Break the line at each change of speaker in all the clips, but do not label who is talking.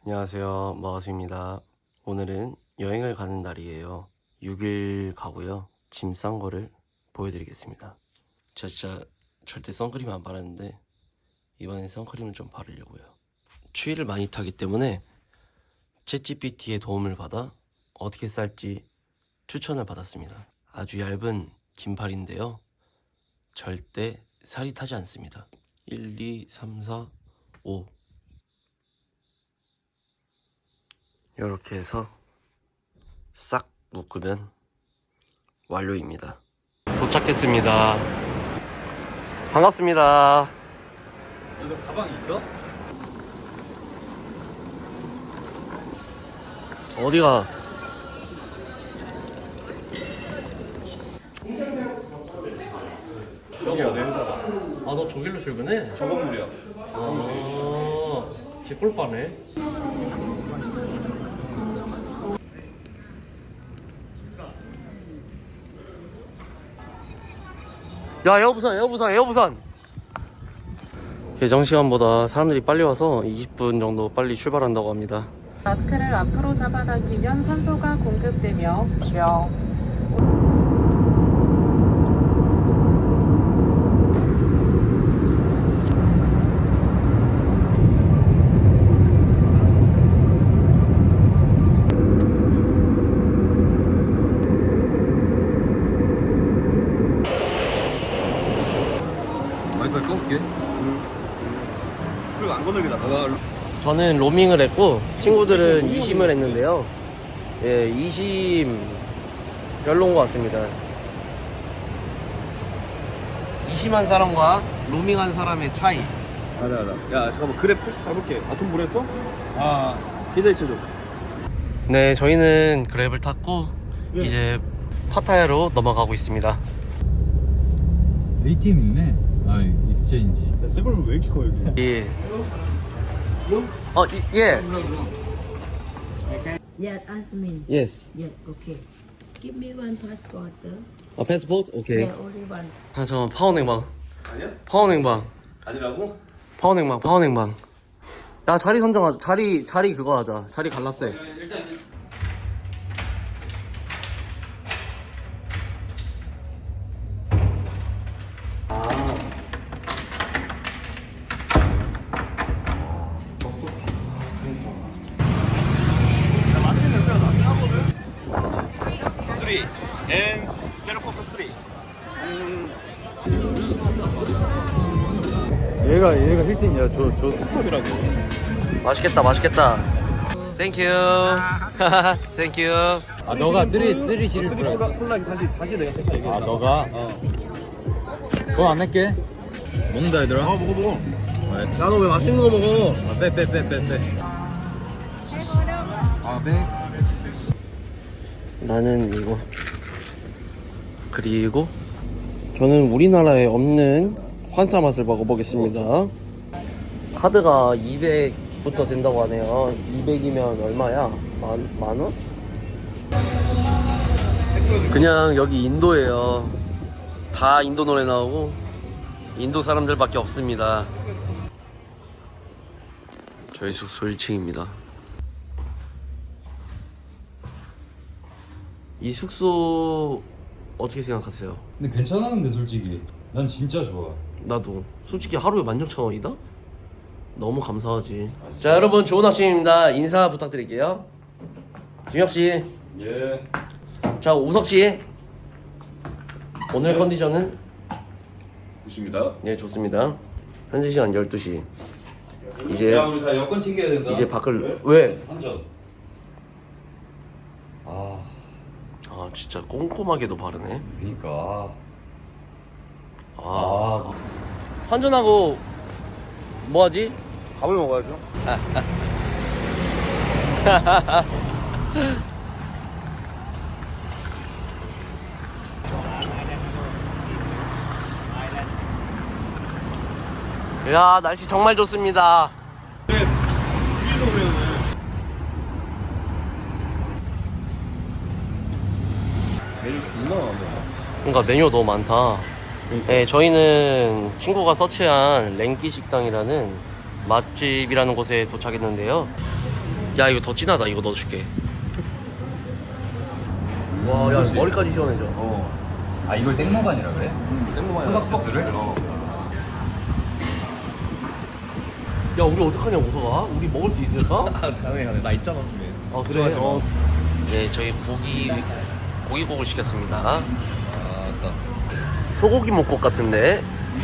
안녕하세요, 마가수입니다. 오늘은 여행을 가는 날이에요. 6일 가고요. 짐 싼 거를 보여드리겠습니다. 제가 진짜 절대 선크림 안 바르는데 이번엔 선크림을 좀 바르려고요. 추위를 많이 타기 때문에 챗GPT의 도움을 받아 어떻게 쌀지 추천을 받았습니다. 아주 얇은 긴팔인데요. 절대 살이 타지 않습니다. 1, 2, 3, 4, 5 이렇게 해서 싹 묶으면 완료입니다. 도착했습니다. 반갑습니다.
너 가방 있어?
어디가?
여기야 내 회사가.
아, 너 저길로 출근해?
저 건물이야.
아, 개꿀빠네. 야, 에어부산. 예정 시간보다 사람들이 빨리 와서 20분 정도 빨리 출발한다고 합니다.
마스크를 앞으로 잡아당기면 산소가 공급되며
와이파이 꺼볼게. 그리고 안 건들게 놔봐.
저는 로밍을 했고 친구들은 2심을 했는데요. 예, 2심 별로인 것 같습니다. 2심한 사람과 로밍한 사람의 차이.
알아. 야 잠깐만 그랩 택시 잡을게. 돈 보냈어? 계좌 이체 좀.
네, 저희는 그랩을 탔고 이제 파타야로 넘어가고 있습니다.
ATM 있네. 아, 익스체인지.
야 세벌은 왜 이렇게 커 여기?
예. 예.
Yes, ask me.
Yes.
Yes, okay. Give me one passport, sir.
패스포트? 오케이.
Yeah, only one.
잠깐만, 파원행방.
아니야?
파원행방.
아니라고?
파원행방. 야, 자리 선정하자. 자리 그거 하자. 자리 갈라세.
쓰리 앤 제로코크 쓰리.
얘가 힐튼이야. 저
컵이라고.
맛있겠다. 땡큐. 땡큐.
아, 너가 쓰리 시리즈
쓰리
플러스.
콜라 다시 내가 택시 얘기해.
아, 너가? 돈 안 낼게. 먹는다 얘들아.
먹어.
야, 너 왜 맛있는 거 먹어?
빼. 아, 빼.
나는 이거. 그리고 저는 우리나라에 없는 환타 맛을 먹어보겠습니다. 카드가 200부터 된다고 하네요. 200이면 얼마야? 만 원? 그냥 여기 인도예요. 다 인도 노래 나오고 인도 사람들밖에 없습니다. 저희 숙소 1층입니다. 이 숙소 어떻게 생각하세요?
근데 괜찮았는데 솔직히. 난 진짜 좋아.
나도 솔직히 하루에 16,000원이다? 너무 감사하지. 자, 여러분, 좋은 아침입니다. 인사 부탁드릴게요. 준혁씨.
예.
자, 우석씨. 오늘 컨디션은?
좋습니다.
네, 좋습니다. 현재 시간 12시. 이제
야, 우리 다 여권 챙겨야 된다.
이제 밖을 왜?
한전. 아,
아, 진짜 꼼꼼하게도 바르네.
그니까.
아, 환전하고 뭐 하지?
밥을 먹어야죠.
야, 날씨 정말 좋습니다.
메뉴 존나 많네.
그러니까 메뉴가 너무 많다. 네, 저희는 친구가 서치한 랭키 식당이라는 맛집이라는 곳에 도착했는데요. 야 이거 더 진하다. 이거 넣어줄게. 와, 야 머리까지 시원해져.
아 이걸 땡모반이라 그래?
땡모만이
소스를?
야 우리 어떡하냐 우서가? 우리 먹을 수 있을까?
가능해. 나 있잖아 집에.
아 그래? 네 저희 고기국을 시켰습니다.
아따.
소고기 목국 같은데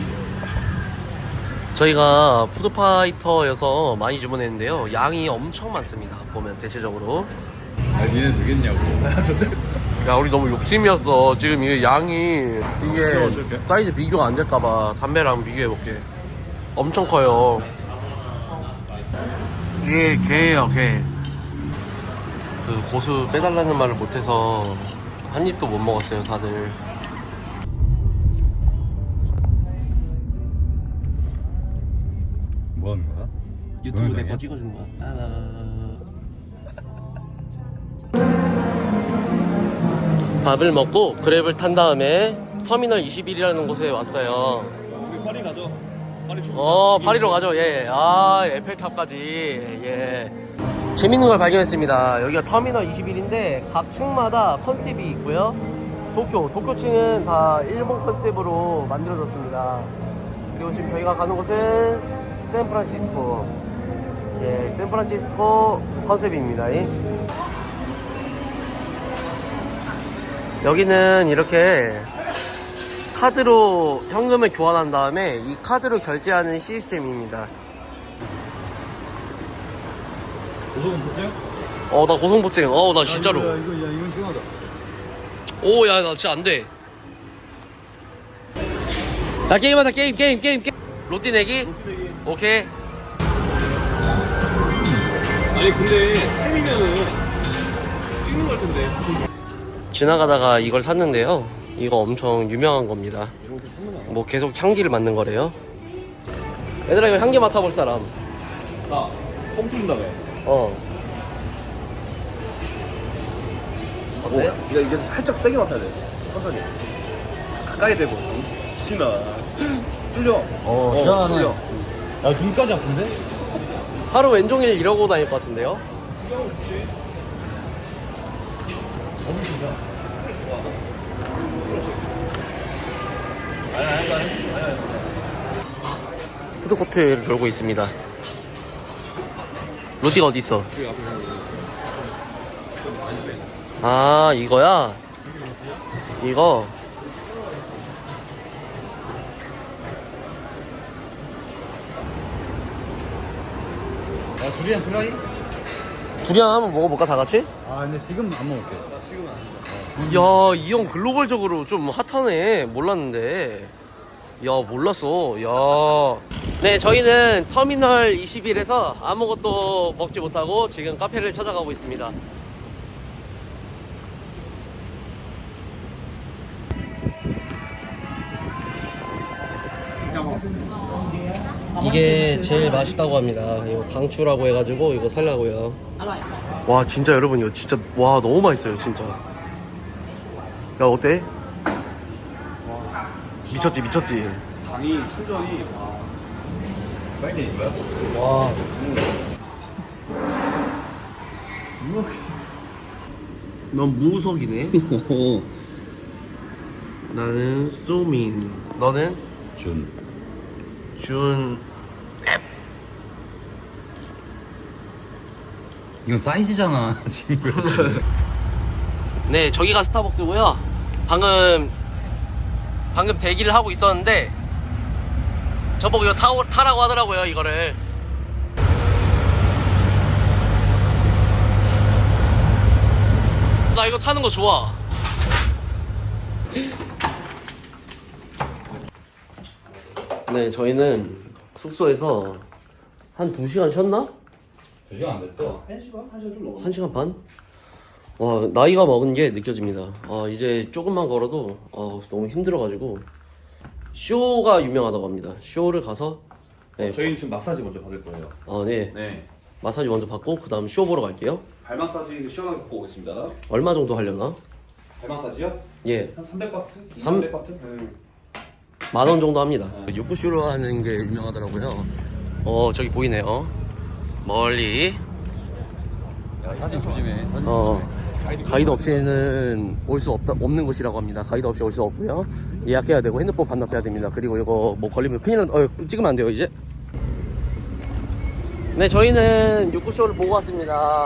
저희가 푸드파이터여서 많이 주문했는데요. 양이 엄청 많습니다. 보면 대체적으로.
아 니네 되겠냐고.
야 우리 너무 욕심이었어. 지금 이게 양이 이게 사이즈 비교가 안 될까봐 담배랑 비교해볼게. 엄청 커요. 이게 게예요 게. 그 고수 빼달라는 말을 못해서 한 입도 못 먹었어요 다들.
뭐 하는 거야?
유튜브 내
동영상이야?
거 찍어준 거야. 밥을 먹고 그랩을 탄 다음에 터미널 21이라는 곳에 왔어요.
우리 파리 가죠. 파리 출국.
파리로 가죠. 예. 아, 에펠탑까지. 예. 재밌는 걸 발견했습니다. 여기가 터미널 21인데 각 층마다 컨셉이 있고요. 도쿄층은 다 일본 컨셉으로 만들어졌습니다. 그리고 지금 저희가 가는 곳은 샌프란시스코. 예, 샌프란시스코 컨셉입니다. 여기는 이렇게 카드로 현금을 교환한 다음에 이 카드로 결제하는 시스템입니다.
고소공포증?
나 고성보증. 나 진짜로.
이건 심하다.
오, 야, 나 진짜 안 돼. 자, 게임하자, 게임. 로띠 내기? 오케이.
아니 근데 템이면은 찍는 걸 텐데.
지나가다가 이걸 샀는데요. 이거 엄청 유명한 겁니다. 뭐 계속 향기를 맡는 거래요. 얘들아, 이거 향기 맡아볼 사람.
나 pom트린다며.
어때?
이게 살짝 세게 맡아야 돼. 천천히. 가까이 대고. 신아. 뚫려.
시원하네.
뚫려.
야 눈까지 아픈데?
하루 왼종일 이러고 다닐 것 같은데요? 푸드코트를 돌고 있습니다. 로띠가 어디 있어? 아, 이거야? 이거?
야 두리안 프라이?
두리안 한번 먹어볼까, 다 같이?
아 근데 지금 안 먹을게.
야, 이 형 글로벌적으로 좀 핫하네. 몰랐는데. 야, 몰랐어. 야. 네, 저희는 터미널 21에서 아무것도 먹지 못하고 지금 카페를 찾아가고 있습니다. 이게 제일 맛있다고 합니다. 이거 강추라고 해가지고 이거 살라고요. 와, 진짜 여러분 이거 진짜 와 너무 맛있어요 진짜. 야 어때? 미쳤지.
당이 충전이.
빨리 된 거야?
와. 넌 무석이네. 나는 소민. 너는? 준.
이건 사이즈잖아 친구야.
네, 저기가 스타벅스고요. 방금 대기를 하고 있었는데 저보고 이거 타라고 하더라고요. 이거를. 나 이거 타는 거 좋아. 네, 저희는 숙소에서 한 2시간 쉬었나?
2시간 안 됐어.
1시간? 1시간 좀 넘었네.
1시간 반? 와, 나이가 먹은 게 느껴집니다. 이제 조금만 걸어도 너무 힘들어가지고 쇼가 유명하다고 합니다. 쇼를 가서 네,
저희는 지금 마사지 먼저 받을 거예요.
네.
네.
마사지 먼저 받고 그 다음 쇼 보러 갈게요.
발 마사지 시원하게 받고 오겠습니다.
얼마 정도 하려나?
발 마사지요?
예,
한 300바트?
300
200바트? 네.
10,000원 정도 합니다. 육부쇼로 하는 게 유명하더라고요. 저기 보이네요. 멀리
야, 사진 조심해. 사진
가이드 없이는 올 수 없는 곳이라고 합니다. 가이드 없이 올 수 없고요. 예약해야 되고 핸드폰 반납해야 됩니다. 그리고 이거 뭐 걸리면 큰일 찍으면 안 돼요 이제. 네, 저희는 육구쇼를 보고 왔습니다.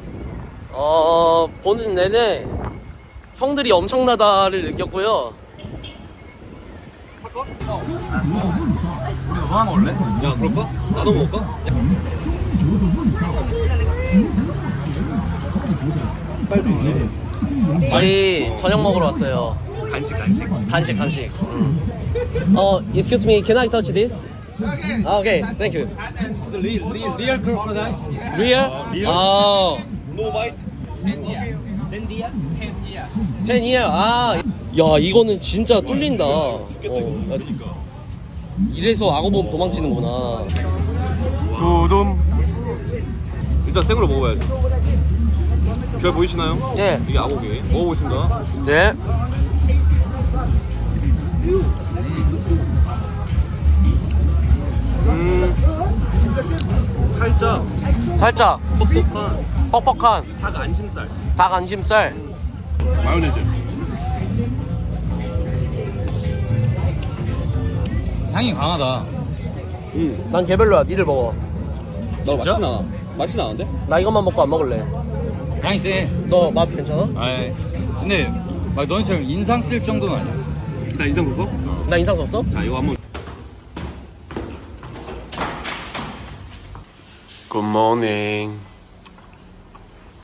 보는 내내 형들이 엄청나다를 느꼈고요.
우리 너 하나 먹을래?
야 그럴까? 나도 먹을까?
저희 저녁 먹으러 왔어요. 간식. Excuse me, can I touch this? Okay, thank you.
리얼 크로커다일?
Real?
No bite.
10 year. 야, 이거는 진짜 뚫린다. 이래서 악어 보면 도망치는구나.
두둠. 일단 생으로 먹어봐야지. 별 보이시나요?
예.
이게 아고기. 먹어보겠습니다.
네.
살짝
살짝
뻑뻑한
퍽퍽한
닭 안심살.
닭 안심살.
마요네즈.
향이 강하다.
난 개별로야. 니를 먹어.
나 맛이 나. 맛이 나는데?
나 이것만 먹고 안 먹을래.
향이 세.
너 맛 괜찮아?
아이, 근데 막 너희처럼 인상 쓸 정도는 아니야.
나 인상 썼어?
나 인상 썼어?
자 이거 한번.
굿모닝.